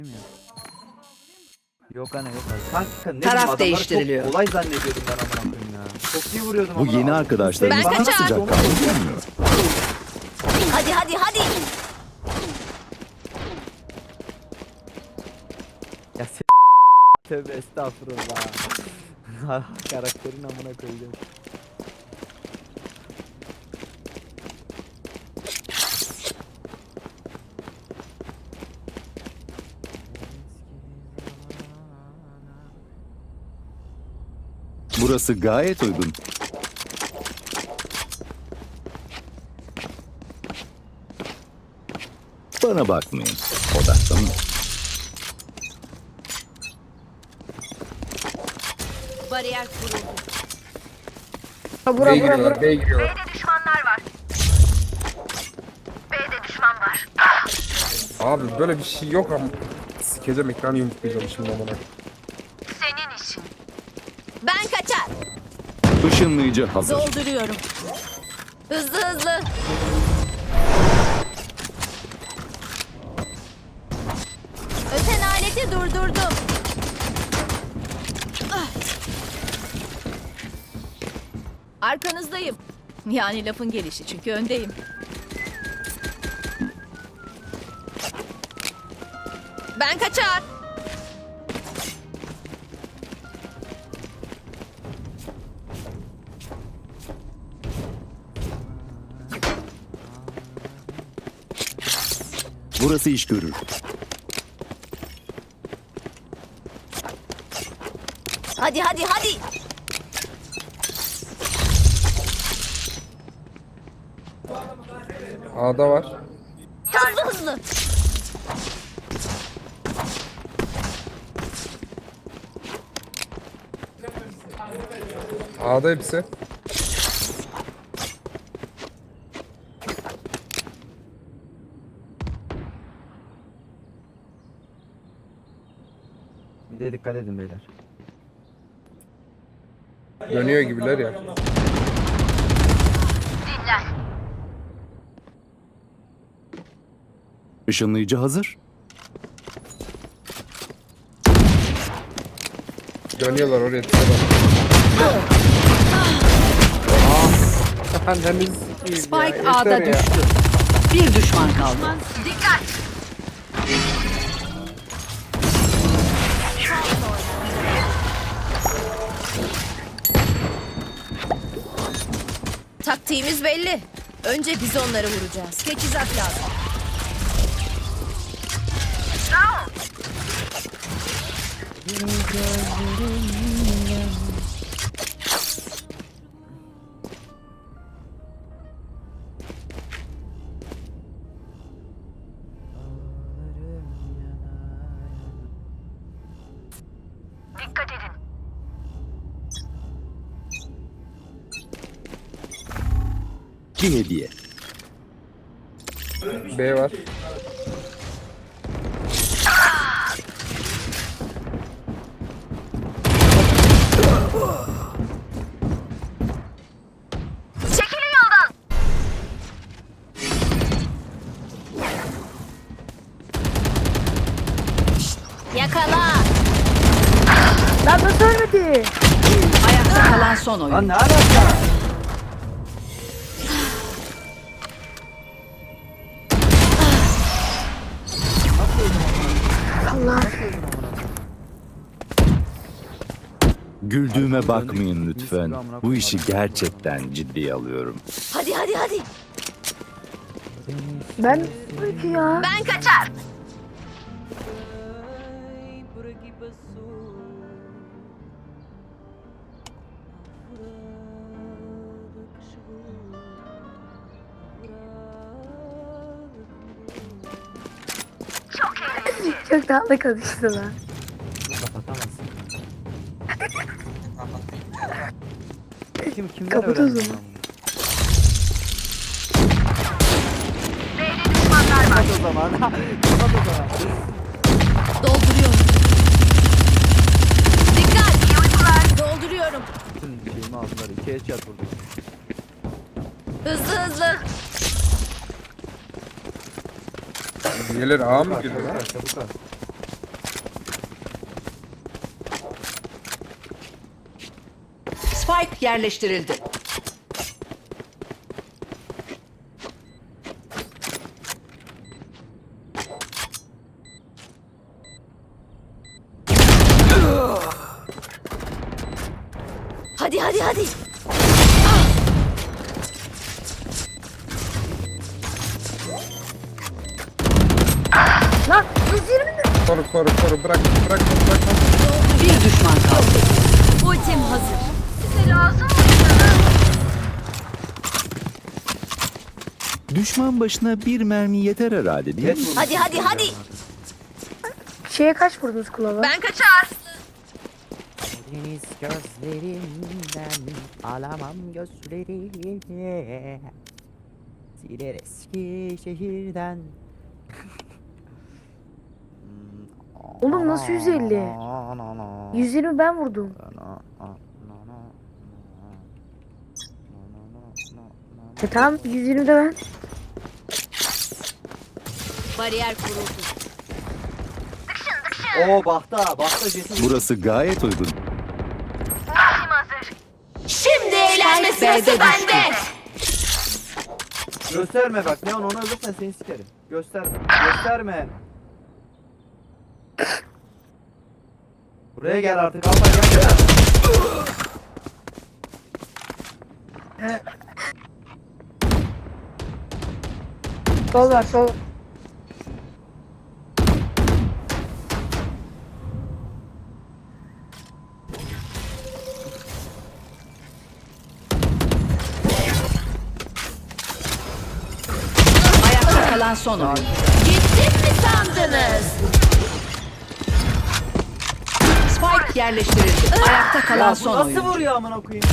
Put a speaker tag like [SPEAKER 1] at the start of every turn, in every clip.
[SPEAKER 1] Yok anne yok anne. Kanka ne
[SPEAKER 2] Taraf
[SPEAKER 1] bileyim, adamları
[SPEAKER 2] değiştiriliyor.
[SPEAKER 1] Çok kolay zannediyordum ben amına koyayım ya. Çok iyi vuruyordum
[SPEAKER 3] Bu
[SPEAKER 1] amına
[SPEAKER 3] yeni
[SPEAKER 1] koyayım.
[SPEAKER 3] arkadaşların
[SPEAKER 2] Ben
[SPEAKER 3] bana
[SPEAKER 2] kaçar.
[SPEAKER 3] sıcak kalmıyor.
[SPEAKER 2] Hadi hadi hadi.
[SPEAKER 1] Ya tövbe estağfurullah. Karakterin amına koyacağım.
[SPEAKER 3] Burası gayet uygun. Bana bakmayın. Odaklanın.
[SPEAKER 2] Bariyer kuruldu.
[SPEAKER 4] B'ye giriyorlar, B'ye giriyorlar.
[SPEAKER 5] B'de düşmanlar var. B'de düşman var.
[SPEAKER 4] Abi böyle bir şey yok ama. Sikeceğim ekranı yumruklayacağım şimdi amına.
[SPEAKER 5] Senin işin.
[SPEAKER 2] Ben kaçar.
[SPEAKER 3] Işınlayıcı hazır.
[SPEAKER 2] Dolduruyorum. Hızlı hızlı. Öten aleti durdurdum. Ah. Arkanızdayım. Yani lafın gelişi çünkü öndeyim. Ben kaçar.
[SPEAKER 3] Burası iş görür.
[SPEAKER 2] Hadi hadi hadi.
[SPEAKER 4] A'da var.
[SPEAKER 2] Hızlı hızlı.
[SPEAKER 4] A'da hepsi.
[SPEAKER 1] Bir de dikkat edin beyler.
[SPEAKER 4] Dönüyor gibiler ya.
[SPEAKER 5] Dinlen.
[SPEAKER 3] Işınlayıcı hazır.
[SPEAKER 4] Dönüyorlar oraya tutuyorlar. Anneniz sikeyim ya.
[SPEAKER 2] Spike
[SPEAKER 4] Yeter
[SPEAKER 2] A'da
[SPEAKER 4] ya.
[SPEAKER 2] düştü. Bir düşman kaldı.
[SPEAKER 5] Dikkat.
[SPEAKER 2] Taktiğimiz belli. Önce biz onları vuracağız. Teçhizat lazım.
[SPEAKER 5] Round. Dikkat edin.
[SPEAKER 3] Bir hediye.
[SPEAKER 4] B var.
[SPEAKER 5] Çekilin yoldan.
[SPEAKER 2] Yakala.
[SPEAKER 6] Lan nasıl ölmedi?
[SPEAKER 2] Ayakta kalan son oyun.
[SPEAKER 1] Lan ne alaka?
[SPEAKER 3] Güldüğüme bakmayın lütfen. Bu işi gerçekten ciddiye alıyorum.
[SPEAKER 2] Hadi hadi hadi.
[SPEAKER 6] Ben peki ya.
[SPEAKER 5] Ben kaçar. Çok eğlenceli.
[SPEAKER 6] Çok tatlı konuştular.
[SPEAKER 1] Kapatamazsın. Kimden
[SPEAKER 6] Kapat o
[SPEAKER 1] öğrendin
[SPEAKER 6] zaman.
[SPEAKER 1] lan bunu?
[SPEAKER 5] B'de düşmanlar var.
[SPEAKER 1] Kapat o zaman. Kapat o zaman.
[SPEAKER 2] Dolduruyorum. Dikkat. Dolduruyorum.
[SPEAKER 1] Bütün şeyimi aldılar. 2 headshot vurdum.
[SPEAKER 2] Hızlı hızlı.
[SPEAKER 4] Diğerleri A mı girdi lan?
[SPEAKER 1] Çabuk al.
[SPEAKER 7] Spike yerleştirildi.
[SPEAKER 2] Hadi hadi hadi.
[SPEAKER 6] Lan 120 mi?
[SPEAKER 4] Koru bırak.
[SPEAKER 7] Bir düşman kaldı.
[SPEAKER 2] Ultim hazır.
[SPEAKER 5] Size lazım mı?
[SPEAKER 3] Düşman başına bir mermi yeter herhalde değil mi?
[SPEAKER 2] Hadi hadi hadi.
[SPEAKER 6] Şeye kaç vurdunuz kulağına?
[SPEAKER 5] Ben kaçar.
[SPEAKER 1] Deniz gözlerimden alamam gözlerini. Siler eski şehirden.
[SPEAKER 6] Oğlum nasıl 150? 120 ben vurdum. Tamam 120 de ben.
[SPEAKER 2] Bariyer kuruldu.
[SPEAKER 1] Oo bahta jetin.
[SPEAKER 3] Burası gayet uygun.
[SPEAKER 5] Ultim hazır.
[SPEAKER 2] Şimdi eğlenme sırası bende.
[SPEAKER 1] Gösterme bak Neon, onu alırsan seni sikerim. Gösterme. Buraya gel artık Alfa gel.
[SPEAKER 6] Sol var sol.
[SPEAKER 7] Ayakta kalan son oyuncu.
[SPEAKER 2] Gittim mi sandınız?
[SPEAKER 7] Spike yerleştirildi. Ayakta kalan
[SPEAKER 1] Ya bu
[SPEAKER 7] son
[SPEAKER 1] nasıl
[SPEAKER 7] oyuncu.
[SPEAKER 1] vuruyor amına koyayım?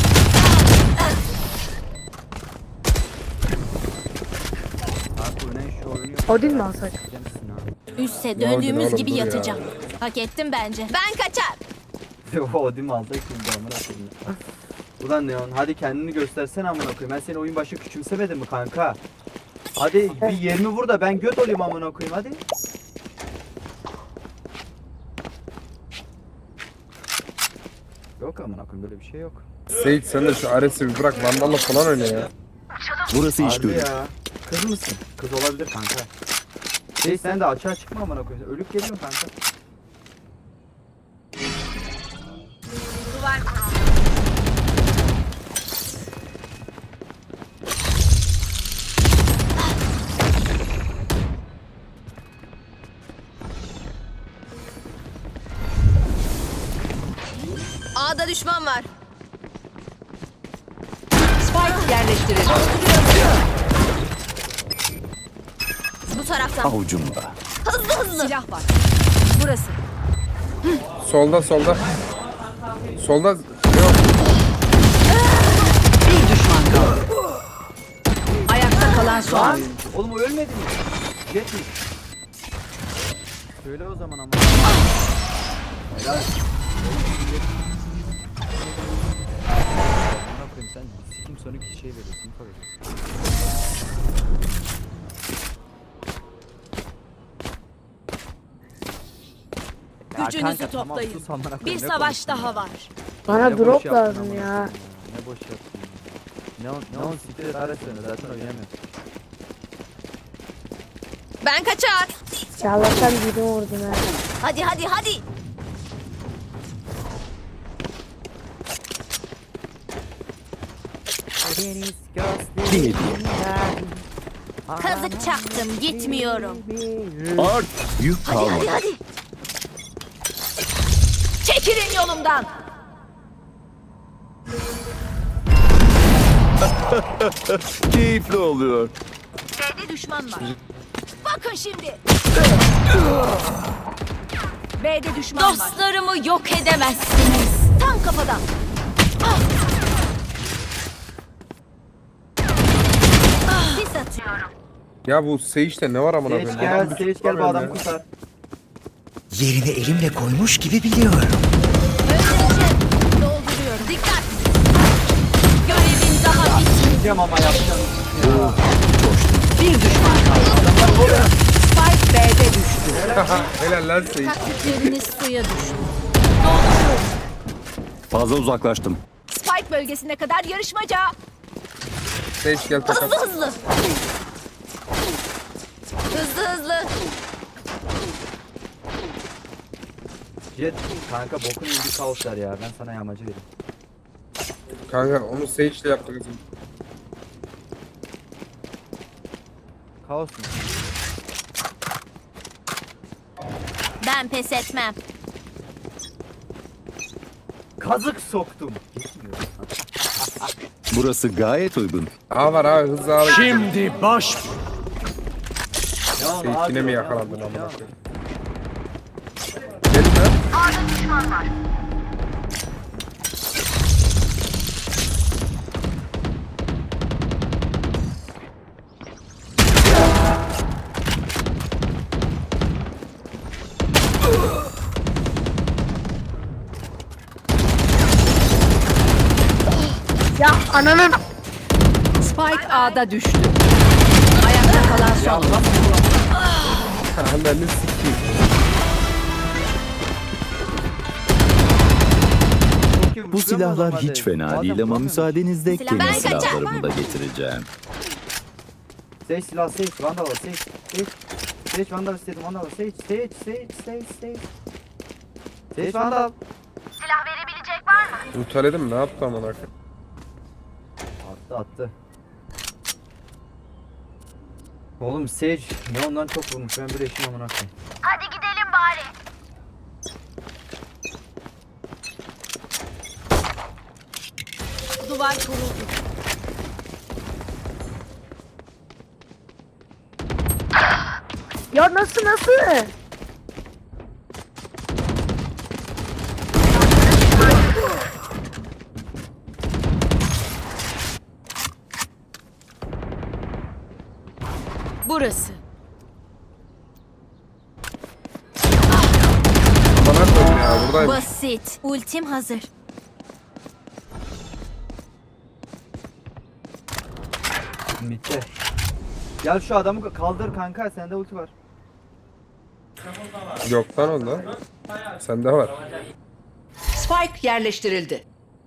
[SPEAKER 1] Abi bu ne şu oyunu yok.
[SPEAKER 6] Odin mi alsak?
[SPEAKER 2] Üste
[SPEAKER 4] Ne oldu
[SPEAKER 2] döndüğümüz
[SPEAKER 4] oğlum,
[SPEAKER 2] gibi
[SPEAKER 4] dur ya.
[SPEAKER 2] yatacağım. Hak ettim bence. Ben kaçar.
[SPEAKER 1] O değil mi alsak şimdi amına koyayım. Ulan Neon hadi kendini göstersene amına koyayım. Ben seni oyun başı küçümsemedim mi kanka? Hadi bir 20 vur da ben göt olayım amına koyayım hadi. Yok amına koyayım, böyle bir şey yok.
[SPEAKER 4] Seyit sen de şu Ares'i bir bırak. Vandal'la falan oyna ya.
[SPEAKER 3] Burası iş
[SPEAKER 1] Harbi
[SPEAKER 3] görür.
[SPEAKER 1] ya. Kız mısın? Kız olabilir kanka. Sen de açığa çıkma amına koyayım. Ölüp geliyorsun kanka.
[SPEAKER 5] Duvar kuruldu.
[SPEAKER 2] A'da düşman var.
[SPEAKER 7] Spike yerleştirildi.
[SPEAKER 2] Bu taraftan.
[SPEAKER 3] Avucumda.
[SPEAKER 2] Hızlı hızlı. Silah var. Burası.
[SPEAKER 4] Solda. Solda. Yok.
[SPEAKER 7] Bir düşman kaldı. Ayakta kalan son
[SPEAKER 1] Lan
[SPEAKER 7] oyuncu.
[SPEAKER 1] oğlum o ölmedi mi? Jet mi? Söyle o zaman ama. Helal. Amına koyayım sen sikim sonu ki şey veriyorsun. Koyuyorsun. Ya
[SPEAKER 2] Gücünüzü
[SPEAKER 1] kanka, tamam,
[SPEAKER 2] toplayın.
[SPEAKER 1] sus amına koyayım,
[SPEAKER 2] Bir
[SPEAKER 1] ne
[SPEAKER 2] savaş
[SPEAKER 1] konuştun
[SPEAKER 2] daha
[SPEAKER 1] ya?
[SPEAKER 2] var.
[SPEAKER 6] Bana
[SPEAKER 1] Ne boş
[SPEAKER 6] drop
[SPEAKER 1] yaptın
[SPEAKER 6] lazım
[SPEAKER 1] amına
[SPEAKER 6] ya.
[SPEAKER 1] koyayım Ne boş yaptın ya. Ne on siktir arasını zaten oynayamıyorum.
[SPEAKER 2] Ben kaçar.
[SPEAKER 6] Çağlarsan birini vurdum ha.
[SPEAKER 2] Hadi hadi hadi.
[SPEAKER 1] Deniz
[SPEAKER 3] Bir hediye.
[SPEAKER 2] Kazık çaktım, gitmiyorum.
[SPEAKER 3] Art yük
[SPEAKER 2] Hadi
[SPEAKER 3] kalmadı.
[SPEAKER 2] hadi hadi. Çekilin yolumdan.
[SPEAKER 3] Keyifli oluyor.
[SPEAKER 2] B'de düşman var. Bakın şimdi. B'de düşman var. Dostlarımı yok edemezsiniz. Tam kafadan. Sis atıyorum.
[SPEAKER 4] Ya bu Seyit'te ne var amına
[SPEAKER 1] Seç
[SPEAKER 4] koyayım?
[SPEAKER 1] gel,
[SPEAKER 4] Adam bir
[SPEAKER 1] Seç gel bu adam
[SPEAKER 4] ya.
[SPEAKER 1] kurtar.
[SPEAKER 8] Yerini elimle koymuş gibi biliyorum.
[SPEAKER 2] Öldüreceğim. Dolduruyorum. Dikkat. Görevin daha bitmedi.
[SPEAKER 1] Diyeceğim ama yapacağım.
[SPEAKER 7] Bir düşman kaldı. Spike B'de düştü.
[SPEAKER 4] Helal lan Seyit.
[SPEAKER 2] Taktikleriniz suya düştü.
[SPEAKER 3] Fazla uzaklaştım.
[SPEAKER 2] Spike
[SPEAKER 7] Spike bölgesine kadar yarışmaca.
[SPEAKER 4] Sage gel takas.
[SPEAKER 2] Hızlı. Hızlı.
[SPEAKER 1] Jet kanka bokun iyi bir kaos ver ya. Ben sana yağmacı vereyim.
[SPEAKER 4] Kanka onu Sage'le yaptık.
[SPEAKER 1] Kaos mu?
[SPEAKER 2] Ben pes etmem.
[SPEAKER 1] Kazık soktum.
[SPEAKER 3] Burası gayet uygun.
[SPEAKER 4] A var abi hızlı abi.
[SPEAKER 3] Şimdi baş.
[SPEAKER 1] Ya
[SPEAKER 4] Sage yine mi
[SPEAKER 1] ya,
[SPEAKER 4] yakalandın
[SPEAKER 1] ya.
[SPEAKER 4] amına koyayım? Gelin lan.
[SPEAKER 5] A'da düşman var.
[SPEAKER 6] Ya ananın.
[SPEAKER 7] Spike A'da düştü. Ayakta kalan son.
[SPEAKER 4] Ananı sikeyim.
[SPEAKER 3] Bu silahlar hiç fena değil ama müsaadenizle
[SPEAKER 2] Silah-
[SPEAKER 3] kendi
[SPEAKER 2] Ben kaçar.
[SPEAKER 3] silahlarımı da getireceğim.
[SPEAKER 1] Sage silah Sage. Vandal var Sage. Sage Vandal istedim. Vandal var Sage. Sage Vandal.
[SPEAKER 5] Silah verebilecek var mı?
[SPEAKER 4] Ultaledim ne yaptı amına koyayım?
[SPEAKER 1] Attı. Oğlum Sage ne ondan çok vurmuş. Ben bir eşim amına koyayım.
[SPEAKER 5] Hadi gidelim bari.
[SPEAKER 2] Duvar kuruldu.
[SPEAKER 6] Ya nasıl?
[SPEAKER 2] Burası.
[SPEAKER 4] Bana koyayım ya buradayım.
[SPEAKER 2] Basit. Ultim hazır.
[SPEAKER 1] Bitti. Gel şu adamı kaldır kanka. Sende ulti var.
[SPEAKER 4] Yok lan onda. Sende var.
[SPEAKER 7] Spike yerleştirildi.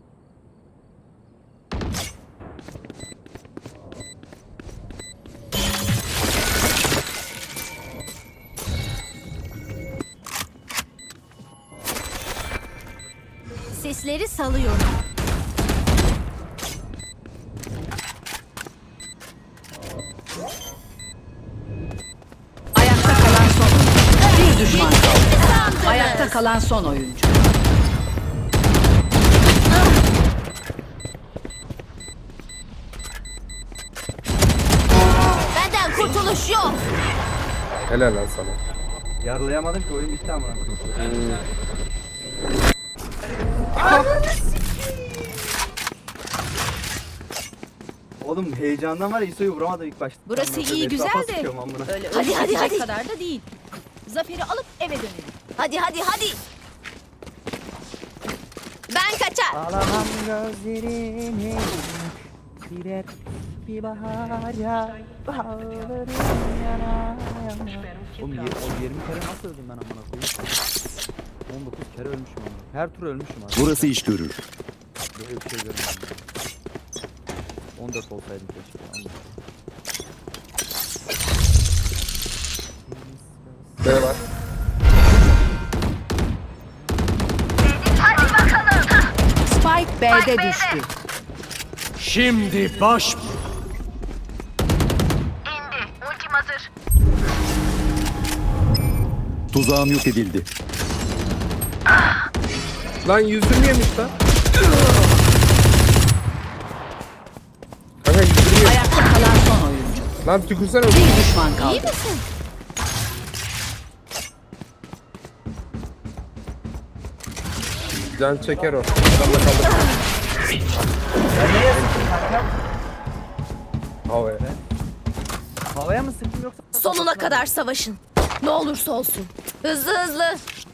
[SPEAKER 2] Sesleri salıyorum.
[SPEAKER 7] Ayakta kalan son. Bir düşman kaldı. Ayakta kalan son oyuncu.
[SPEAKER 2] Benden kurtuluş yok.
[SPEAKER 4] Helal lan sana.
[SPEAKER 1] Yarlayamadım ki oyun bitti amına koyayım. Oğlum heyecandan var ya İso'yu vuramadım ilk başta.
[SPEAKER 2] Burası
[SPEAKER 1] Amına
[SPEAKER 2] iyi,
[SPEAKER 1] koyayım,
[SPEAKER 2] güzel
[SPEAKER 1] etrafa
[SPEAKER 2] de.
[SPEAKER 1] sıkıyorum amına.
[SPEAKER 7] Öyle
[SPEAKER 2] Hadi, hadi, hadi.
[SPEAKER 7] kadar da değil. Zaferi alıp eve dönelim.
[SPEAKER 2] Hadi. Ben kaçar.
[SPEAKER 1] Alamam gözlerini bir bahar ya baharların yana. Oğlum o 20 kere nasıl öldüm ben amına koyayım? 19 kere ölmüşüm ama. Her tur ölmüşüm abi.
[SPEAKER 3] Burası iş görür.
[SPEAKER 1] Böyle bir şey görmedim. 14 olsaydım keşke.
[SPEAKER 4] B var.
[SPEAKER 5] Hadi bakalım.
[SPEAKER 7] Spike B'de düştü.
[SPEAKER 3] Şimdi baş.
[SPEAKER 5] İndi. Ultim hazır.
[SPEAKER 3] Tuzağım yok edildi.
[SPEAKER 4] Lan 120 yemiş lan. Kanka 120 yemiş.
[SPEAKER 7] Ayakta kalan son oyuncu.
[SPEAKER 4] Lan tükürsene.
[SPEAKER 7] Bir düşman kaldı.
[SPEAKER 2] İyi misin?
[SPEAKER 4] Can çeker o. Adamla kaldı.
[SPEAKER 1] Ben neye sıktım kanka?
[SPEAKER 4] Havaya.
[SPEAKER 1] Havaya mı sıktım yoksa?
[SPEAKER 2] Sonuna kadar savaşın. Ne olursa olsun. Hızlı.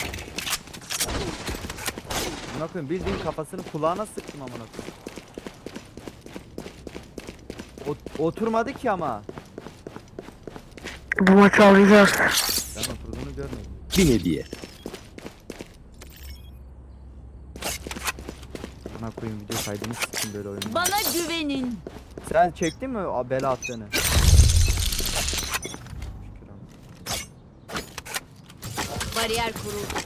[SPEAKER 1] Amına koyayım bildiğin kafasını kulağına sıktım amına koyayım. Oturmadı ki ama.
[SPEAKER 6] Bu maçı alacağız.
[SPEAKER 1] Ben oturduğunu görmedim.
[SPEAKER 3] Bir hediye.
[SPEAKER 9] Amına koyayım video kaydını sikeyim böyle oyunu.
[SPEAKER 2] Bana güvenin.
[SPEAKER 1] Sen çektin mi o bela attığını?
[SPEAKER 2] Bariyer kuruldu.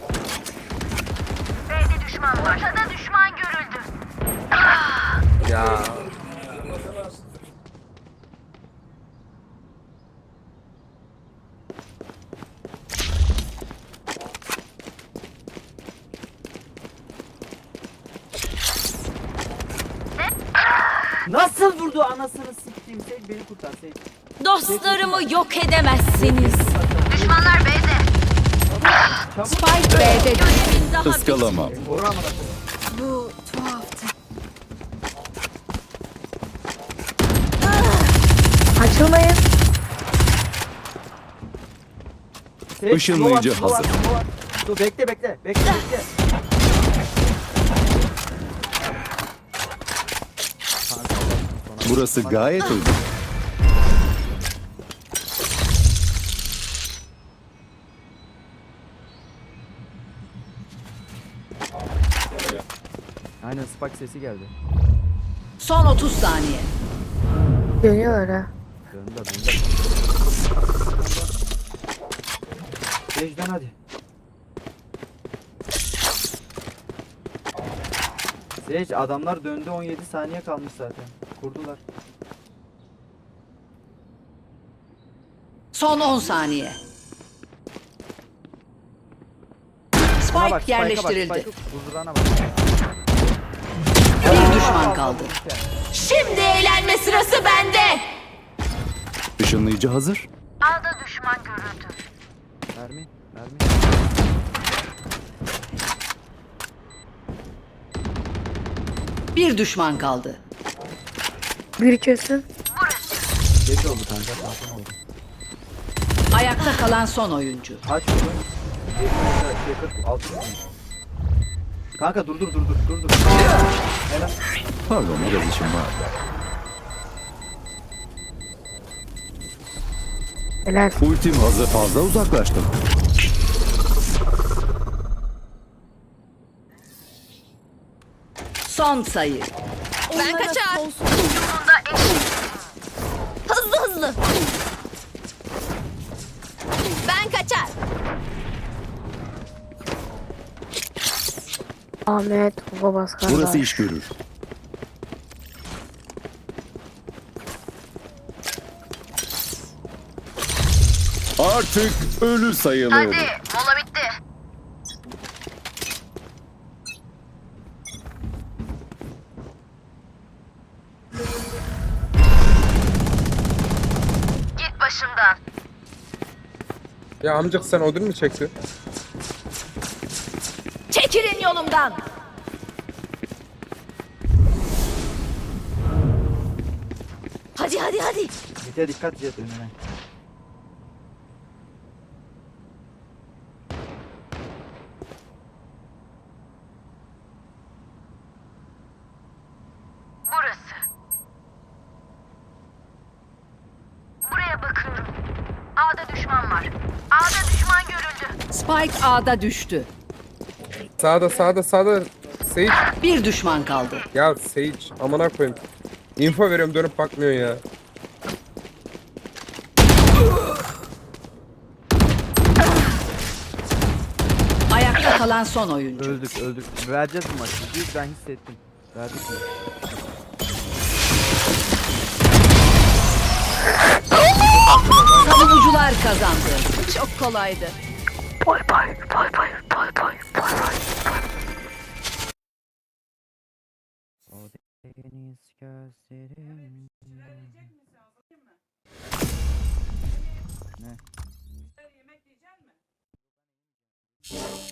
[SPEAKER 5] B'de düşman var. Ortada düşman görüldü.
[SPEAKER 4] Ya.
[SPEAKER 1] Nasıl vurdu anasını siktiğim Sage beni kurtar Sage.
[SPEAKER 2] Dostlarımı yok edemezsiniz.
[SPEAKER 5] Düşmanlar B'de.
[SPEAKER 7] Spike B'de düştü.
[SPEAKER 2] Görevin daha
[SPEAKER 3] Iskalamam.
[SPEAKER 1] Vur amına koyayım.
[SPEAKER 2] Bu tuhaftı.
[SPEAKER 6] Açılmayın.
[SPEAKER 1] Sage,
[SPEAKER 3] Işınlayıcı
[SPEAKER 1] slow at,
[SPEAKER 3] hazır.
[SPEAKER 1] slow at. Dur bekle.
[SPEAKER 3] Burası gayet uygun.
[SPEAKER 9] Aynen Spike sesi geldi.
[SPEAKER 7] Son 30 saniye.
[SPEAKER 6] Dönüyor ha.
[SPEAKER 9] Döndü.
[SPEAKER 1] Sage'den hadi. Sage adamlar döndü 17 saniye kalmış zaten. Kurdular.
[SPEAKER 7] Son 10 saniye.
[SPEAKER 9] Spike'a bak,
[SPEAKER 7] Spike yerleştirildi.
[SPEAKER 9] Huzurana bak.
[SPEAKER 7] Bir düşman kaldı.
[SPEAKER 2] Şimdi eğlenme sırası bende.
[SPEAKER 3] Işınlayıcı hazır.
[SPEAKER 5] A'da düşman görüldü.
[SPEAKER 9] Mermi.
[SPEAKER 7] Bir düşman kaldı.
[SPEAKER 6] Bir kesin.
[SPEAKER 1] Geç oldu kanka. Zaten oldu.
[SPEAKER 7] Ayakta kalan son oyuncu.
[SPEAKER 1] Aç bunu. 46. Kanka dur. Helal.
[SPEAKER 3] Pardon biraz işim var.
[SPEAKER 6] Helal.
[SPEAKER 3] Ultim hazır. Fazla uzaklaştım.
[SPEAKER 7] Son sayı.
[SPEAKER 2] Ben kaçar.
[SPEAKER 5] Yolunda
[SPEAKER 2] Hızlı. Ben kaçar.
[SPEAKER 6] Ahmet babas kardeş.
[SPEAKER 3] Burası iş görür. Artık ölü sayılır.
[SPEAKER 5] hadi. Mola bitti. Git başımdan.
[SPEAKER 4] Ya amcık sen Odin mi çekti?
[SPEAKER 2] Çekilin yolumdan. Hadi.
[SPEAKER 1] Mite dikkat et önüne.
[SPEAKER 5] Burası. Buraya bakıyorum. A'da düşman var. A'da düşman görüldü.
[SPEAKER 7] Spike A'da düştü.
[SPEAKER 4] Sağda. Sage.
[SPEAKER 7] Bir düşman kaldı.
[SPEAKER 4] Ya Sage. Amına koyayım. Info veriyorum dönüp bakmıyorsun ya.
[SPEAKER 7] Ayakta kalan son oyuncu.
[SPEAKER 9] Öldük. Vereceğiz bu maçı. Ben hissettim. Verdik mi?
[SPEAKER 7] Savunucular kazandı.
[SPEAKER 2] Çok kolaydı.
[SPEAKER 6] Bay bay.
[SPEAKER 9] O deniz gözlerim. Ne?